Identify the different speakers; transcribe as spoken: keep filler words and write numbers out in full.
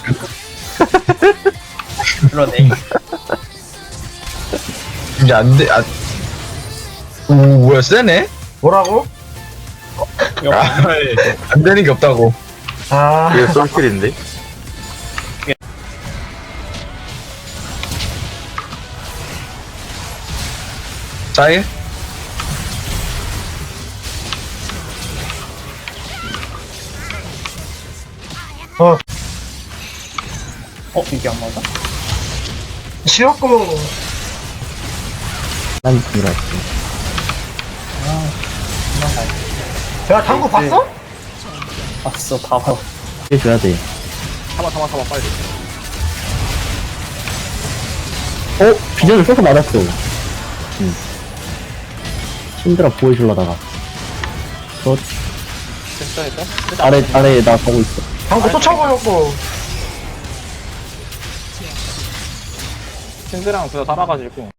Speaker 1: 그러네.
Speaker 2: 이제 안 돼, 안. 오, 뭐야, 세네?
Speaker 3: 뭐라고?
Speaker 2: 아, 안 되는 게 없다고.
Speaker 3: 아,
Speaker 4: 이거 솔킬인데?
Speaker 2: 짜일?
Speaker 3: 어,
Speaker 1: 어, 이게 안 맞아?
Speaker 3: 지웠고.
Speaker 5: 난 그렇지.
Speaker 1: 아, 도망가.
Speaker 3: 야, 당구 봤어?
Speaker 1: 봤어, 다 봤어.
Speaker 5: 해줘야 돼.
Speaker 4: 참아 참아 참아 빨리.
Speaker 5: 어? 비전을 써서 맞았어. 응. 신드라 보여주려다가. 저
Speaker 4: 됐다 됐다.
Speaker 5: 아래, 아래에 나 가고 있어.
Speaker 3: 당구 또 쳐버렸고.
Speaker 4: 신드랑 둘 다 살아가지고